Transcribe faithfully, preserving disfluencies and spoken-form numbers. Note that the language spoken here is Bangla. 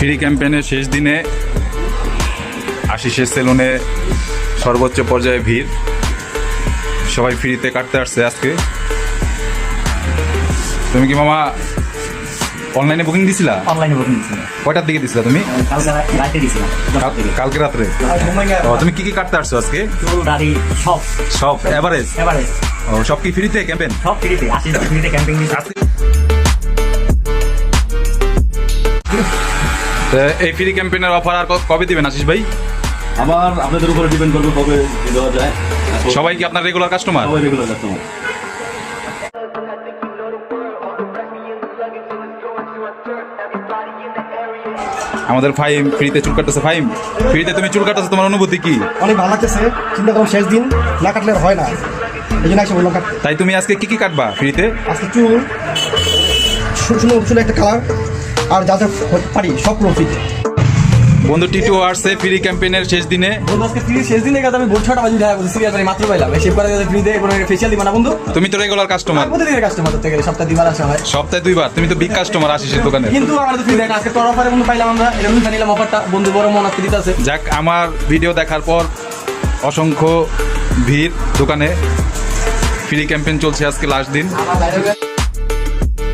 ফ্রি ক্যাম্পেইনের শেষ দিনে আশিসের সেলুনে সর্বোচ্চ পর্যায়ে ভিড়। সবাই ফ্রিতে কাটতে আসছে আজকে। তুমি কি মামা অনলাইনে বুকিং দিছিলা? অনলাইনে বুকিং দিছিলাম। কয়টার দিকে দিছিলা তুমি? কালকে রাতে দিছিলাম। কাল- কালকে রাত্রে। ও, তুমি কি কি কাটতে আসছো আজকে? চুল, দাড়ি সব সব এভারেজ? এভারেজ ও, সব কি ফ্রিতে ক্যাম্পেইন? সব ফ্রিতে। আশি ফ্রিতে ক্যাম্পিং দিচ্ছে। এই ফ্রি ক্যাম্পেইনের অফার আর ক- কবে দিবেন আশিস ভাই? আবার আপনাদের উপরে ডিপেন্ড করবে কবে দেওয়া যায়। সবাই কি আপনার রেগুলার কাস্টমার? সবাই রেগুলার কাস্টমার। আমাদের ফাইম ফ্রিতে চুল কাটতেছে। ফাইম, ফ্রিতে তুমি চুল কাটতেছো, তোমার অনুভূতি কি? অনেক ভালো লাগতেছে। চিন্তা করুন শেষ দিন না কাটলে আর হয় না, এই জন্য এসে বললাম কাট। তাই তুমি আজকে কি কি কাটবা ফ্রিতে? আজকে চুল সুন্দর চুল একটা কালার আর যা যা পারি সব পুরো ফিট। বন্ধু টিটু আসছে ফ্রি ক্যাম্পেইনের শেষ দিনে। বন্ধু আজকে ফ্রি শেষ দিনে কাজ আমি ভোর ছটা বাজে দেখা করছি, সিরিয়াস মাত্র পাইলাম। শেভ করে ফ্রি দিয়ে কোনো ফেশিয়াল দিবা না বন্ধু? তুমি তো রেগুলার কাস্টমার, প্রতিদিনের কাস্টমার ধরতে গেলে সপ্তাহে দুবার আসা হয়। সপ্তাহে দুইবার। তুমি তো বিগ কাস্টমার আশিসের দোকানে। কিন্তু আমার তো ফ্রি দেয় না। আজকে তোর অফারে বন্ধু পাইলাম আমরা, এটা বন্ধু নিলাম অফারটা। বন্ধু বড় মন আজকে দিতে আছে। যাক, আমার ভিডিও দেখার পর অসংখ্য ভিড় দোকানে। ফ্রি ক্যাম্পেইন চলছে আজকে লাস্ট দিন।